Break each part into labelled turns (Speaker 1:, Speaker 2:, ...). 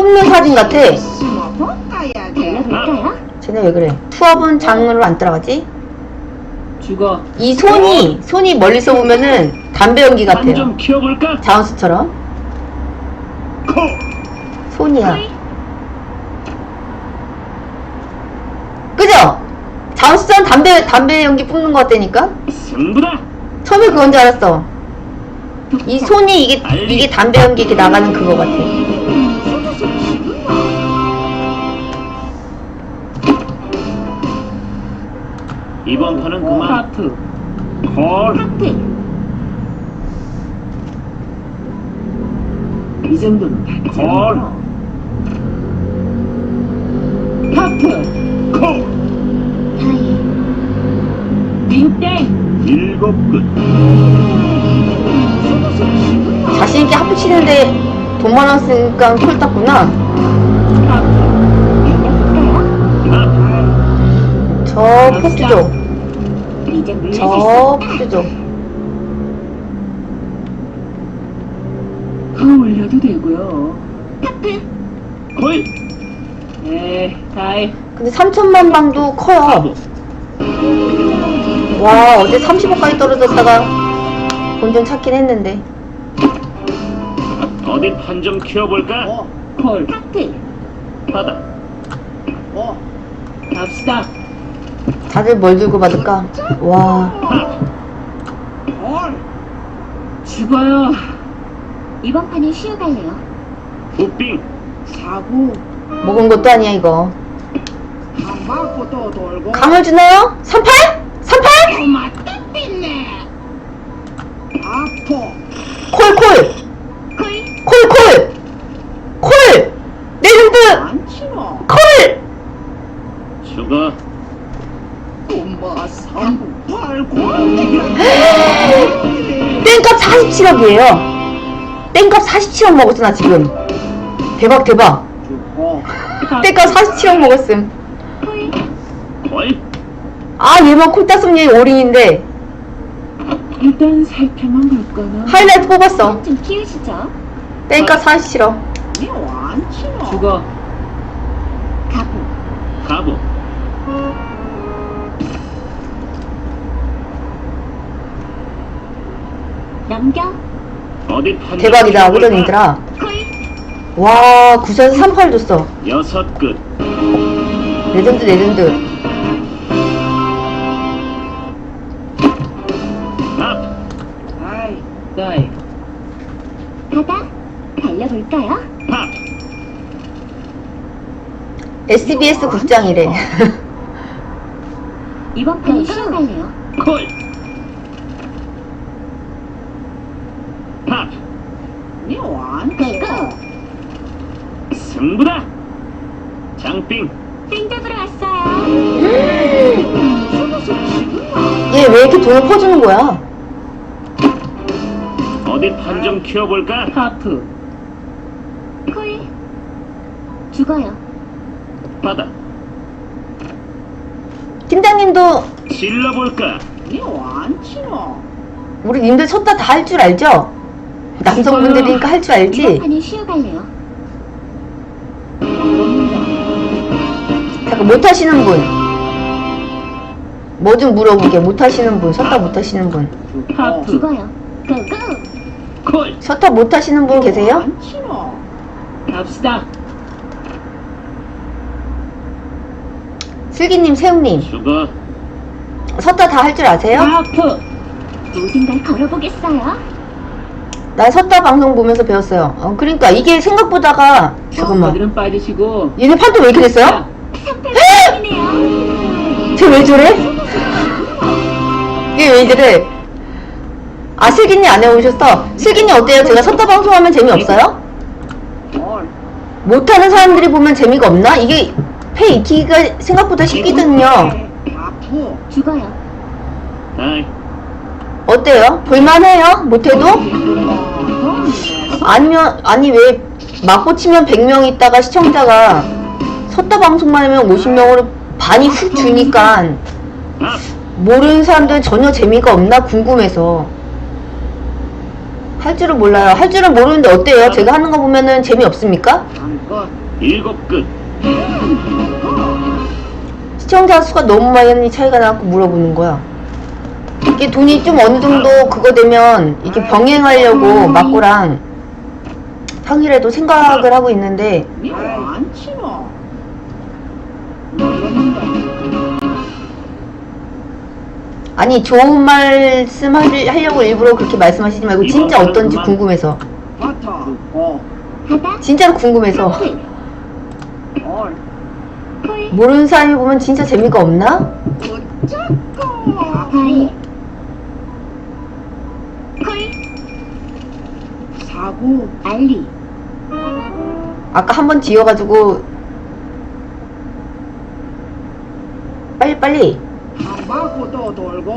Speaker 1: 끊는 사진 같아.
Speaker 2: 달려볼까요?
Speaker 1: 쟤네 왜 그래? 투업은 장으로 안 따라가지?
Speaker 3: 죽어.
Speaker 1: 이 손이 멀리서 보면은 담배 연기 같아요.
Speaker 4: 좀 키워볼까?
Speaker 1: 자원수처럼. 손이야. 그죠? 자원수처럼 담배 연기 뿜는 것 같다니까?
Speaker 4: 승부다.
Speaker 1: 처음에 그건 줄 알았어. 이 손이 이게 담배 연기 이렇게 나가는 그거 같아.
Speaker 4: 이번 판은 그만.
Speaker 3: 하프.
Speaker 4: 콜.
Speaker 2: 하프.
Speaker 3: 이 정도는 봤지.
Speaker 4: 콜.
Speaker 3: 하프.
Speaker 4: 콜.
Speaker 2: 다이.
Speaker 3: 빙땡.
Speaker 4: 일곱 끝.
Speaker 1: 자신있게 하프 치는데 돈 많아 쓰니까 콜 땄구나.
Speaker 2: 달려볼까요?
Speaker 4: 나.
Speaker 1: 저 포트죠.
Speaker 2: 이제 물릴 수
Speaker 1: 저
Speaker 2: 있어.
Speaker 1: 포트죠.
Speaker 3: 올려도 되고요.
Speaker 2: 하프.
Speaker 4: 콜.
Speaker 3: 다이.
Speaker 1: 근데 3천만 방도 커요. 와, 어제 30억까지 떨어졌다가 본전 찾긴 했는데.
Speaker 4: 어디 판 좀 키워볼까?
Speaker 3: 콜.
Speaker 2: 하프.
Speaker 4: 받아.
Speaker 3: 갑시다.
Speaker 1: 다들 뭘 들고 받을까? 와,
Speaker 3: 죽어요.
Speaker 2: 이번 판은 쉬어갈래요.
Speaker 4: 우빙.
Speaker 3: 사고.
Speaker 1: 먹은 것도 아니야 이거.
Speaker 3: 한 맞고 또 돌고.
Speaker 1: 강을 주나요? 38? 38?
Speaker 3: 맞다 삐네. 아포.
Speaker 1: 콜!
Speaker 2: 콜.
Speaker 1: 콜! 레전드!
Speaker 3: 안 치노.
Speaker 1: 콜!
Speaker 4: 죽어.
Speaker 3: 엄마 삼부 팔고.
Speaker 1: 땡값 47억이에요. 땡값 47억 먹었어 나 지금. 대박.
Speaker 3: 죽고.
Speaker 1: 땡값 47억 먹었음.
Speaker 2: 콜.
Speaker 4: 콜.
Speaker 1: 아 얘만 콜 땄으면 얘 올인인데.
Speaker 3: 일단 살펴만 볼까나.
Speaker 1: 하이라이트 뽑았어.
Speaker 2: 좀 키우시죠.
Speaker 1: 땡값 47억.
Speaker 3: 안 치노. 죽어.
Speaker 2: 가보.
Speaker 4: 가보.
Speaker 2: 넘겨.
Speaker 4: 어디 판 좀
Speaker 1: 대박이다
Speaker 4: 키워볼까?
Speaker 1: 오전이더라.
Speaker 2: 콜.
Speaker 1: 와 9에서 38 줬어.
Speaker 4: 여섯 끝.
Speaker 1: 레전드.
Speaker 4: 앞.
Speaker 3: 다이.
Speaker 2: 바다. 달려볼까요?
Speaker 4: 팝.
Speaker 1: SBS 국장이래.
Speaker 2: 이번 판은 쉬어갈래요.
Speaker 4: 콜. 팝.
Speaker 3: 안
Speaker 2: 고고.
Speaker 4: 승부다. 장빙.
Speaker 2: 땡 잡으러 왔어요.
Speaker 1: 얘 왜 이렇게 돈을 퍼주는 거야?
Speaker 4: 어디 판 좀 키워볼까?
Speaker 3: 하프.
Speaker 2: 콜. 죽어요.
Speaker 4: 받아.
Speaker 1: 팀장님도
Speaker 4: 질러볼까?
Speaker 3: 안 치노.
Speaker 1: 우리 님들 쳤다 다 할 줄 알죠? 남성분들이니까 할 줄
Speaker 2: 이번
Speaker 1: 알지?
Speaker 2: 판은 쉬어갈래요.
Speaker 1: 잠깐 못하시는 분. 뭐 좀 물어보게. 못하시는 분. 쳤다 못하시는 분.
Speaker 3: 하프.
Speaker 2: 죽어요. 고고.
Speaker 4: 콜.
Speaker 1: 쳤다 못하시는 분 계세요?
Speaker 3: 안 치노. 갑시다.
Speaker 1: 슬기님, 세웅님.
Speaker 4: 죽어.
Speaker 1: 섰다 다 할 줄 아세요?
Speaker 3: 하프.
Speaker 2: 모든 걸 걸어보겠어요.
Speaker 1: 난 섰다 방송 보면서 배웠어요. 그러니까 이게 생각보다가 잠깐만.
Speaker 3: 어디는 빠지시고.
Speaker 1: 얘네 판도 왜 이렇게 됐어요?
Speaker 2: 3패이네요.
Speaker 1: 쟤 왜 저래? 얘 왜 이래? 아 슬기님 안 해오셨어? 슬기님 어때요? 제가 섰다 방송하면 재미없어요? 못하는 사람들이 보면 재미가 없나? 이게 패 익히기가 생각보다 쉽거든요.
Speaker 3: 하프.
Speaker 2: 죽어요.
Speaker 4: 아이.
Speaker 1: 어때요? 볼만해요? 못해도? 아니면 아니 왜 맞고 치면 100명 있다가 시청자가 섰다 방송만 하면 50명으로 반이 훅 주니까
Speaker 4: 앞.
Speaker 1: 모르는 사람들은 전혀 재미가 없나 궁금해서 할 줄은 몰라요. 할 줄은 모르는데 어때요? 제가 하는 거 보면은 재미없습니까?
Speaker 3: 한껏
Speaker 4: 7 끝.
Speaker 1: 시청자 수가 너무 많이 차이가 나고 물어보는 거야. 이게 돈이 좀 어느 정도 그거 되면 이게 병행하려고 막고랑 평일에도 생각을 하고 있는데
Speaker 3: 니안 치노.
Speaker 1: 아니 좋은 말씀 하려고 일부러 그렇게 말씀하시지 말고 진짜 어떤지 궁금해서
Speaker 3: 바타. 어.
Speaker 2: 바다,
Speaker 1: 진짜로 궁금해서
Speaker 2: 하프,
Speaker 3: 올.
Speaker 2: 콜,
Speaker 1: 모르는 사람이 보면 진짜 재미가 없나?
Speaker 3: 어쩌고.
Speaker 2: 다이, 콜,
Speaker 3: 사구.
Speaker 2: 알리,
Speaker 1: 아까 한 번 지어가지고 빨리
Speaker 3: 한 바퀴 또 돌고.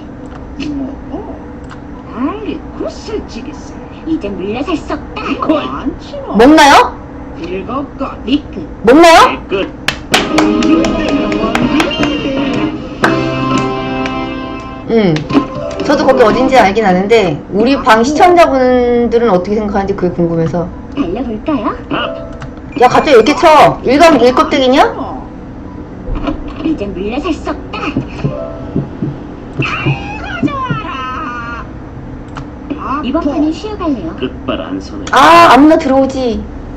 Speaker 3: 알리 구슬치겠어.
Speaker 2: 이제 물러설 수 없다.
Speaker 3: 안 치노.
Speaker 1: 먹나요?
Speaker 3: 7 끝.
Speaker 2: 리크,
Speaker 1: 먹나요?
Speaker 4: 8 끝.
Speaker 1: 저도 거기 어딘지 알긴 아는데 우리 방 시청자분들은 어떻게 생각하는지 그게 궁금해서
Speaker 2: 달려볼까요?
Speaker 4: 앞.
Speaker 1: 야 갑자기 왜 이렇게 쳐? 일감 일껍데기냐?
Speaker 2: 이제 물러설 수 없다.
Speaker 3: 가져와라.
Speaker 2: 이번 판은 쉬어갈래요.
Speaker 4: 끝발 안 서네.
Speaker 1: 아 아무나 들어오지.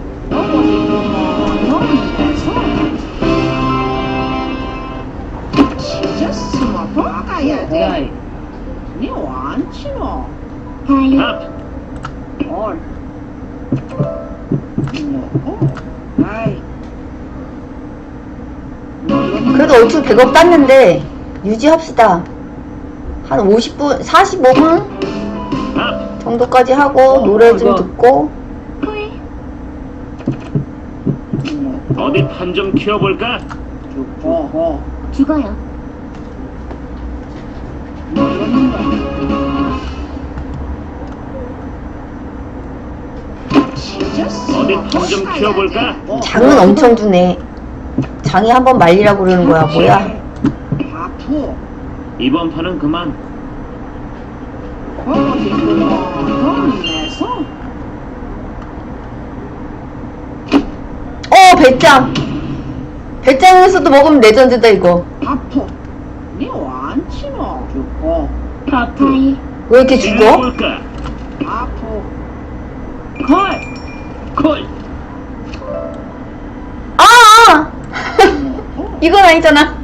Speaker 3: 치졌으면 박아야 돼.
Speaker 4: 다이.
Speaker 3: 니안 치노.
Speaker 2: 다이,
Speaker 4: 앞.
Speaker 3: 올. 아이.
Speaker 1: 그래도 얼추 100억 땄는데 유지합시다. 한 50분, 45분
Speaker 4: 앞.
Speaker 1: 정도까지 하고 노래 좀 듣고
Speaker 2: 콜,
Speaker 4: 어디 판 좀 키워볼까?
Speaker 2: 죽어요.
Speaker 4: 어디 판 좀 키워볼까?
Speaker 1: 장은 엄청 주네. 장이 한번 말리라고 그러는 거야 뭐야?
Speaker 3: 아프.
Speaker 4: 이번 판은 그만.
Speaker 3: 어디 돈 내서.
Speaker 1: 배짱. 배짱에서도 먹으면 레전드다 이거.
Speaker 3: 아프. 니안 치노. 죽고.
Speaker 4: 하프.
Speaker 2: 다이,
Speaker 1: 왜 이렇게 죽어?
Speaker 4: 질러볼까?
Speaker 3: 아프.
Speaker 4: 콜. 콜.
Speaker 1: 아! 이건 아니잖아.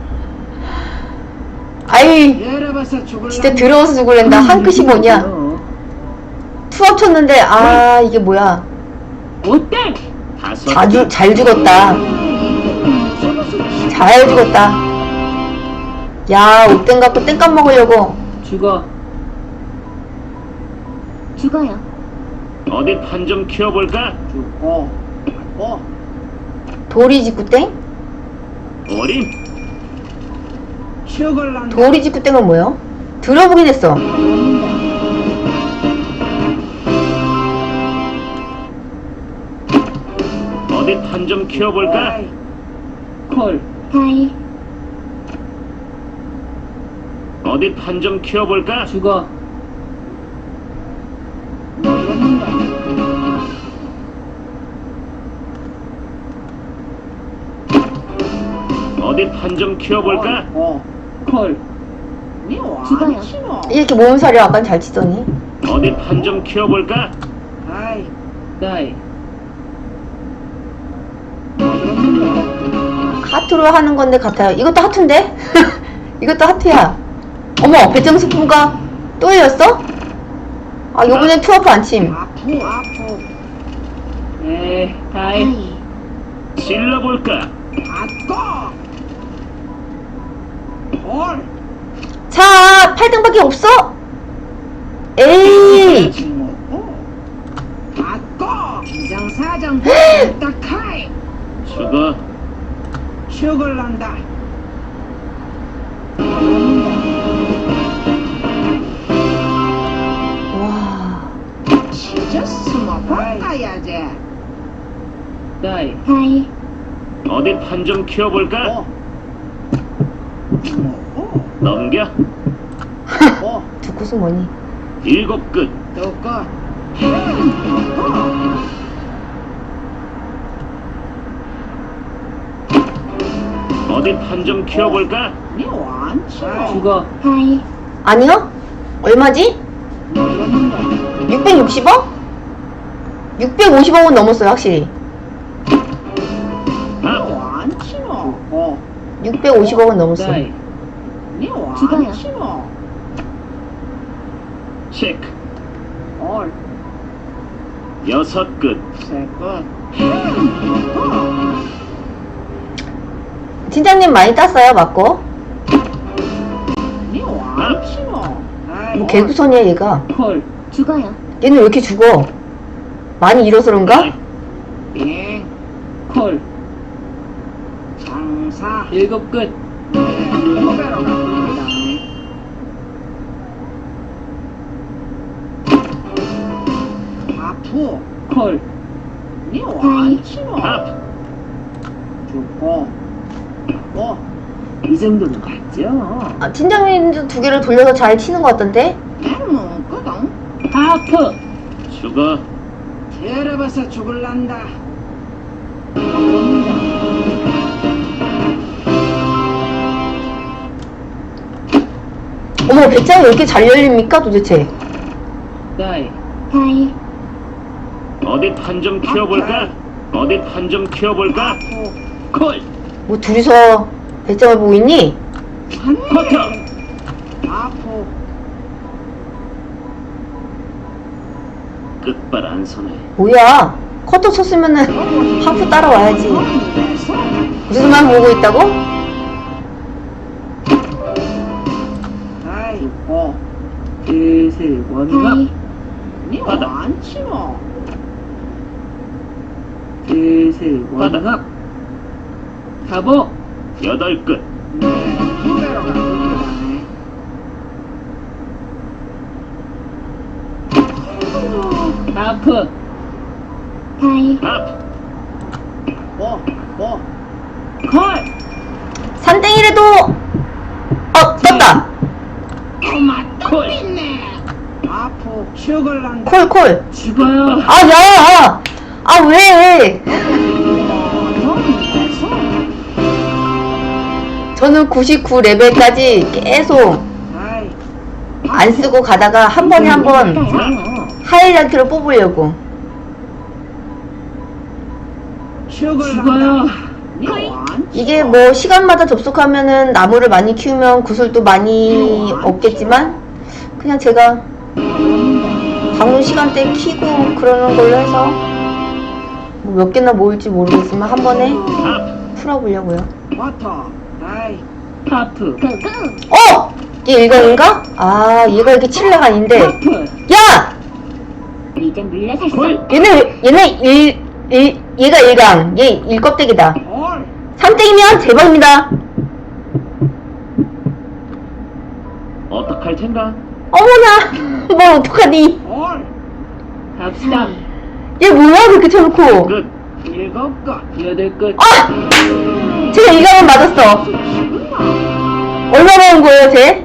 Speaker 1: 아이
Speaker 3: 열어봐서 죽을라.
Speaker 1: 진짜 더러워서 죽을랜다. 한 끗이 뭐냐? 투합 쳤는데 아 이게 뭐야?
Speaker 4: 오땡. 5.
Speaker 1: 잘 죽었다. 잘 죽었다. 야 옷땡 갖고 땡값 먹으려고.
Speaker 3: 죽어.
Speaker 2: 죽어요.
Speaker 4: 어디 판 좀 키워볼까?
Speaker 3: 죽고.
Speaker 1: 도리지구땡?
Speaker 4: 어림.
Speaker 3: 죽을란다.
Speaker 1: 도리지구땡은 뭐야? 들어보긴 했어.
Speaker 4: 어디 판 좀 키워볼까?
Speaker 3: 아이. 콜.
Speaker 2: 다이,
Speaker 4: 어디 판 좀 키워볼까?
Speaker 3: 죽어.
Speaker 4: 어디 판 좀 키워볼까?
Speaker 3: 콜.
Speaker 2: 죽어요.
Speaker 3: 니안 치노.
Speaker 1: 이렇게 몸살이 아까 잘 치더니.
Speaker 4: 어디 판 좀 키워볼까?
Speaker 3: 아이. 다이.
Speaker 1: 하트로 하는 건데 같아요. 이것도 하트인데? 이것도 하트야. 어머 배짱 스프가 또 이었어? 아 요번엔 투어프 안 침.
Speaker 3: 아프.
Speaker 4: 네,
Speaker 2: 다이,
Speaker 4: 질러볼까?
Speaker 3: 아꺼. 콜.
Speaker 1: 자 8등밖에 없어? 에이
Speaker 3: 아꺼. 기장사장 딱하이.
Speaker 4: 죽어.
Speaker 3: 죽을란다.
Speaker 1: 와
Speaker 3: 치졌으면 박아야지. 다이.
Speaker 2: 다이,
Speaker 4: 어디 판 좀 키워볼까? 넘겨.
Speaker 1: 두구수 뭐니?
Speaker 4: 7 끝.
Speaker 3: 또꺼.
Speaker 4: 어디 판 좀 키워볼까?
Speaker 3: 니 완치노.
Speaker 4: 죽어.
Speaker 2: 하이.
Speaker 1: 아니요? 얼마지? 660억? 650억은 넘었어요, 확실히.
Speaker 3: 니 완치노.
Speaker 1: 650억은 넘었어요.
Speaker 3: 니
Speaker 2: 죽어요.
Speaker 3: 완치노.
Speaker 4: 체크.
Speaker 3: 올.
Speaker 4: 6끝.
Speaker 3: 세끝.
Speaker 1: 팀장님 많이 땄어요, 맞고?
Speaker 3: 니 완치노.
Speaker 1: 뭐 개구선이야, 얘가.
Speaker 4: 콜.
Speaker 2: 죽어요.
Speaker 1: 얘는 왜 이렇게 죽어? 많이 잃어서 그런가?
Speaker 3: 빙.
Speaker 4: 콜.
Speaker 3: 장사.
Speaker 4: 7끝.
Speaker 3: 후배로 갑니다. 아프.
Speaker 4: 콜.
Speaker 3: 니 완치노.
Speaker 4: 앞.
Speaker 3: 죽고. 이 정도는 맞죠?
Speaker 1: 아, 팀장님도 두 개를 돌려서 잘 치는 것 같던데?
Speaker 3: 나는 거든.
Speaker 4: 하프. 죽어.
Speaker 3: 테러봐서 죽을란다.
Speaker 1: 어머, 배짱이 왜 이렇게 잘 열립니까, 도대체?
Speaker 4: 다이.
Speaker 2: 하이.
Speaker 4: 어디 판 좀 키워볼까? 어디 판 좀 키워볼까?
Speaker 3: 아프.
Speaker 4: 콜.
Speaker 1: 뭐 둘이서 배짱을 보고 있니?
Speaker 4: 커터.
Speaker 3: 아프.
Speaker 4: 끝발 안 서네.
Speaker 1: 뭐야? 커터 쳤으면은 하프 따라와야지. 무슨만 보고 있다고?
Speaker 3: 아이,
Speaker 4: 슬슬 원갑.
Speaker 2: 하이.
Speaker 3: 니
Speaker 4: 받아.
Speaker 3: 완치노.
Speaker 4: 슬슬 원갑. 가보. 8끝.
Speaker 3: 후배로 갑니다.
Speaker 4: 하프.
Speaker 2: 하이.
Speaker 4: 앞.
Speaker 3: 콜.
Speaker 1: 산땡이라도! 떴다!
Speaker 3: 엄마
Speaker 4: 콜.
Speaker 3: 있네. 아프. 죽을란다.
Speaker 1: 콜.
Speaker 4: 죽어요.
Speaker 1: 아, 야! 아, 왜? 저는 99레벨까지 계속
Speaker 3: 아이,
Speaker 1: 안 쓰고 가다가 한 번에 한 번 하이라이트로 뽑으려고.
Speaker 3: 죽을란다. 니 완치노.
Speaker 1: 이게 뭐 시간마다 접속하면은 나무를 많이 키우면 구슬도 많이 얻겠지만 그냥 제가 방문 시간대 키고 그러는 걸로 해서 뭐 몇 개나 모을지 모르겠지만 한 번에
Speaker 4: 앞.
Speaker 1: 풀어보려고요.
Speaker 3: 버터. 아이,
Speaker 4: 하프.
Speaker 2: 고고.
Speaker 1: 얘 일강인가? 아, 얘가 이렇게 칠레가 아닌데.
Speaker 4: 하프.
Speaker 1: 야!
Speaker 2: 이제 물러섰어.
Speaker 4: 콜.
Speaker 1: 얘가 일강. 얘 일껍데기다.
Speaker 3: 올.
Speaker 1: 3땡이면 대박입니다.
Speaker 4: 어떡할 텐가?
Speaker 1: 어머나! 뭘 어떡하니?
Speaker 3: 올.
Speaker 4: 갑시다.
Speaker 1: 얘 뭐야, 그렇게 쳐놓고.
Speaker 4: 끝.
Speaker 3: 7끝.
Speaker 4: 8끝.
Speaker 1: 아! 제가 일강은 맞았어. 얼마 먹은 거예요, 쟤?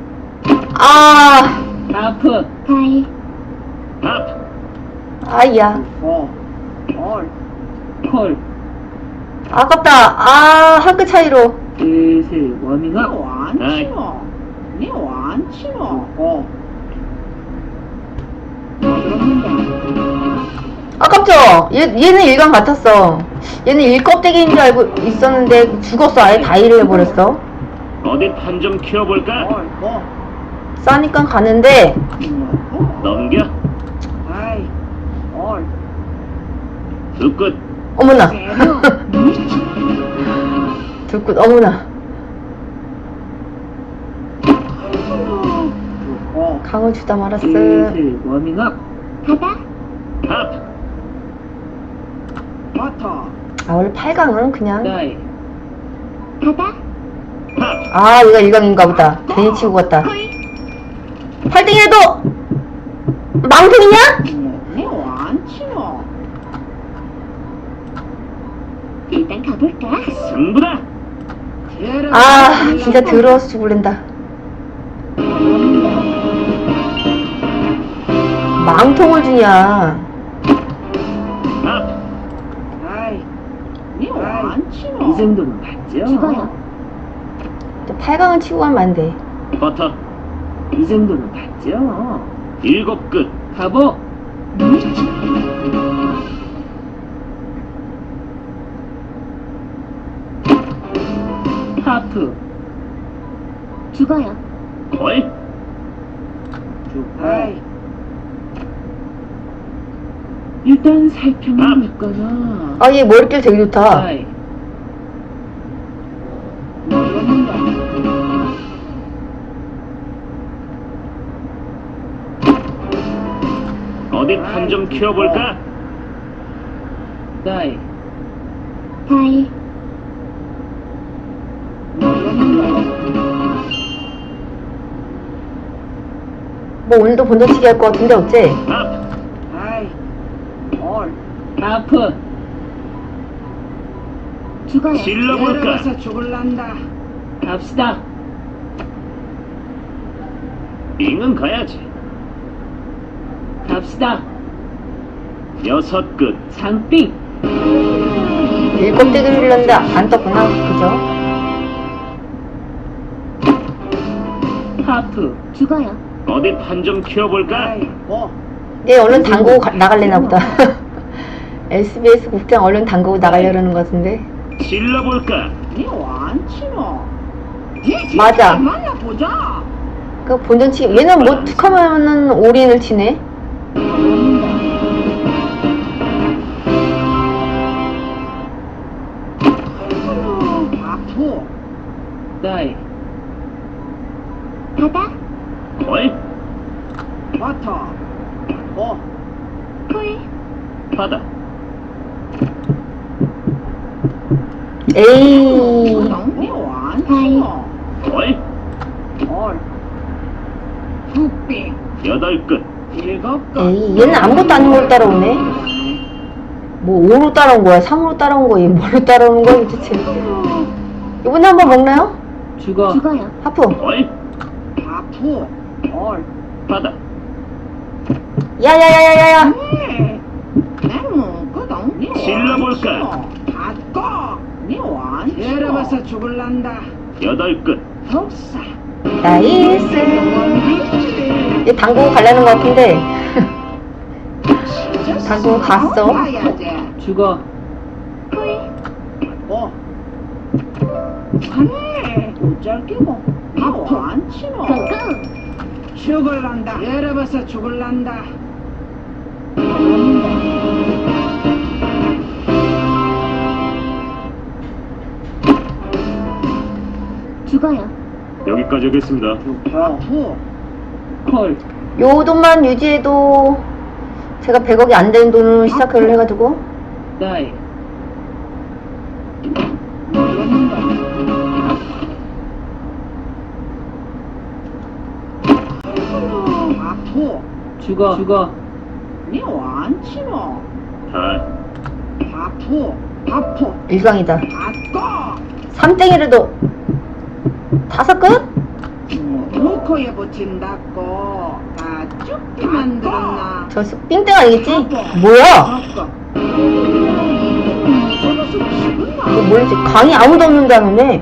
Speaker 1: 아,
Speaker 4: 하프.
Speaker 2: 하이.
Speaker 4: 앞.
Speaker 1: 아이야.
Speaker 3: 올.
Speaker 4: 콜.
Speaker 1: 아깝다. 아, 한 끗 차이로.
Speaker 4: 슬슬
Speaker 3: 니
Speaker 4: 워밍업.
Speaker 3: 완치노. 니 완치노.
Speaker 1: 아깝죠? 얘는 일강 같았어. 얘는 일껍데기인 줄 알고 있었는데 죽었어. 아예 다이를 해버렸어.
Speaker 4: 어디 판 좀 키워볼까?
Speaker 1: 싸니까 가는데
Speaker 4: 넘겨.
Speaker 3: 아이, 올.
Speaker 4: 2끝.
Speaker 1: 어머나. 둘끝 어머나. 강을 주다 말았어.
Speaker 4: 슬슬 워밍업.
Speaker 2: 바다.
Speaker 4: 앞.
Speaker 3: 버터.
Speaker 1: 아, 원래 8강은 그냥.
Speaker 4: 다이.
Speaker 2: 바다.
Speaker 4: 앞.
Speaker 1: 아, 얘가 일강인가 보다. 괜히 치고 갔다.
Speaker 2: 콜.
Speaker 1: 8등이라도 망통이냐?
Speaker 3: 니 완치노.
Speaker 2: 일단 가볼까?
Speaker 4: 승부다.
Speaker 1: 아, 진짜 더러워서 죽을랜다. 망통을 주냐.
Speaker 4: 앞.
Speaker 3: 아이, 니 완치노.
Speaker 5: 이 정도는 봤죠?
Speaker 2: 죽어요.
Speaker 1: 8강은 치고 가면 안 돼.
Speaker 4: 버터.
Speaker 5: 이 정도는 봤죠?
Speaker 4: 7 끝.
Speaker 5: 가보. 하프.
Speaker 2: 죽어요.
Speaker 4: 걸.
Speaker 3: 아이,
Speaker 5: 일단 살펴만 있거나.
Speaker 1: 아, 얘 머릿결 되게 좋다.
Speaker 5: 다이.
Speaker 3: 모르는가?
Speaker 4: 어디 판 좀 키워볼까?
Speaker 5: 다이.
Speaker 2: 다이.
Speaker 3: 모르는가?
Speaker 1: 뭐 오늘도 본전치기 할 것 같은데 어째?
Speaker 4: 앞.
Speaker 3: 아이, 올.
Speaker 5: 하프.
Speaker 2: 죽어요.
Speaker 4: 질러볼까?
Speaker 3: 내려가서 죽을란다.
Speaker 5: 갑시다.
Speaker 4: 빙은 가야지.
Speaker 5: 갑시다.
Speaker 4: 6 끝.
Speaker 5: 장빙.
Speaker 1: 일곱대기를 흘렸는데 안 떴구나. 그죠?
Speaker 5: 하프.
Speaker 2: 죽어요.
Speaker 4: 어디 판 좀 키워볼까?
Speaker 3: 아이, 뭐?
Speaker 1: 얘 얼른 담그고 나갈래나 보다. SBS 국장 얼른 담그고 나가려는 것 같은데.
Speaker 4: 질러볼까?
Speaker 3: 니 완치노. 니
Speaker 1: 맞아.
Speaker 3: 만나보자.
Speaker 1: 그 본전치기 얘는 뭐 툭하면은 올인을 치네.
Speaker 3: 아프.
Speaker 5: 다이.
Speaker 2: 바다.
Speaker 4: 걸.
Speaker 3: 버터. 뭐?
Speaker 2: 콜.
Speaker 4: 바다.
Speaker 1: 에이.
Speaker 3: 니 완치노.
Speaker 4: 걸.
Speaker 3: 올. 흑빙.
Speaker 4: 8 끝.
Speaker 3: 7 끝.
Speaker 1: 에이, 얘는 아무것도 아닌 걸 따라오네. 뭐 5로 따라온 거야? 3으로 따라온 거야? 뭘로 따라오는 거야 도대체? 이번에 한번 먹나요?
Speaker 5: 죽어.
Speaker 2: 죽어요.
Speaker 1: 하프.
Speaker 4: 걸.
Speaker 3: 아프. 올.
Speaker 4: 바다.
Speaker 1: 야야야야야야.
Speaker 3: 나는 거동. 니
Speaker 4: 질러볼까?
Speaker 3: 닫고. 니 완치노. 내려가서 죽을란다.
Speaker 4: 8 끝.
Speaker 3: 독사.
Speaker 1: 나이스. 얘 당구고 가려는 것 같은데. 당구고 갔어.
Speaker 5: 죽어.
Speaker 2: 콜.
Speaker 3: 뭐? 안돼. 어쩔기고. 아프. 완치노.
Speaker 2: 끙끙.
Speaker 3: 죽을란다. 내려가서 죽을란다.
Speaker 2: 죽어요.
Speaker 4: 여기까지 하겠습니다.
Speaker 3: 아프.
Speaker 5: 콜.
Speaker 1: 요 돈만 유지해도 제가 100억이 안 되는 돈으로 시작을 해가지고.
Speaker 5: 다이.
Speaker 3: 모르는가? 아프.
Speaker 5: 죽어. 죽어.
Speaker 3: 니 완치노.
Speaker 4: 다.
Speaker 3: 아프. 아프.
Speaker 1: 일광이다.
Speaker 3: 닫고.
Speaker 1: 3땡이라도 5 끝?
Speaker 3: 루코에 붙인다고. 다 죽게 만들었나.
Speaker 1: 저 삥땡 아니겠지? 뭐야? 이거 뭐지? 강이 아무도 없는다는데.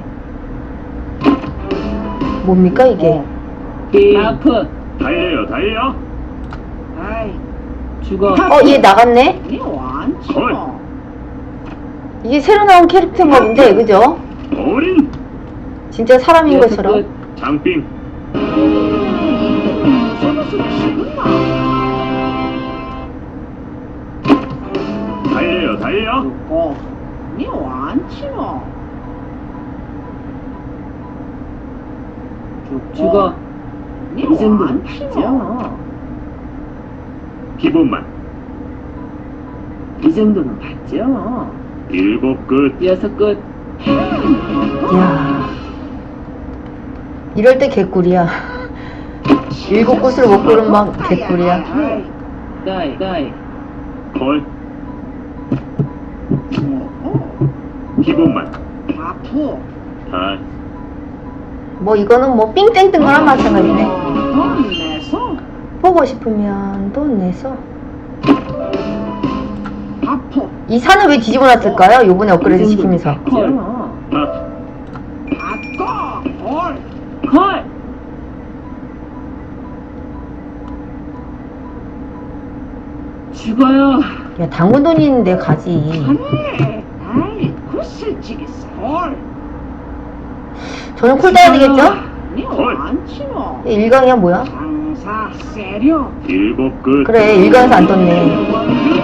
Speaker 1: 뭡니까 이게?
Speaker 5: 하프.
Speaker 4: 달려요, 달려.
Speaker 3: 아이,
Speaker 5: 죽어.
Speaker 1: 얘 나갔네?
Speaker 3: 니 완치노.
Speaker 1: 이게 새로 나온 캐릭터인가 본데, 그죠?
Speaker 4: 올인.
Speaker 1: 진짜 사람인
Speaker 5: 여섯
Speaker 1: 것처럼.
Speaker 5: 끝.
Speaker 4: 장빙. 달려요, 달려.
Speaker 3: 죽고. 니 완치노.
Speaker 5: 죽어.
Speaker 3: 니
Speaker 5: 이 정도는
Speaker 3: 완치노.
Speaker 5: 봤죠?
Speaker 4: 기본만.
Speaker 5: 이 정도는 봤죠?
Speaker 4: 7 끝.
Speaker 5: 6 끝.
Speaker 1: 이야. 이럴 때 개꿀이야. 7 곳을 못 고른 막 개꿀이야.
Speaker 3: 아이,
Speaker 5: 다이. 다이.
Speaker 4: 걸.
Speaker 3: 어,
Speaker 4: 기본만.
Speaker 3: 아프.
Speaker 4: 다.
Speaker 1: 뭐 이거는 뭐 삥땡 뜬 거랑 마찬가지네.
Speaker 3: 돈 내서.
Speaker 1: 뭐 사보고 싶으면 돈 내서.
Speaker 3: 아프.
Speaker 1: 이 산을 왜 뒤집어 놨을까요? 요번에 업그레이드 시키면서.
Speaker 5: 콜.
Speaker 4: 아,
Speaker 3: 바꿔. 헐.
Speaker 5: 콜. 죽어요.
Speaker 1: 야, 당근 돈이 있는데 가지.
Speaker 3: 하네. 아이, 구슬치겠어. 헐.
Speaker 1: 저는 콜 따야 되겠죠?
Speaker 3: 니 완치노.
Speaker 1: 일강이야 뭐야?
Speaker 3: 장사 세려.
Speaker 4: 일곱 끝.
Speaker 1: 그래, 일강에서 안 떴네.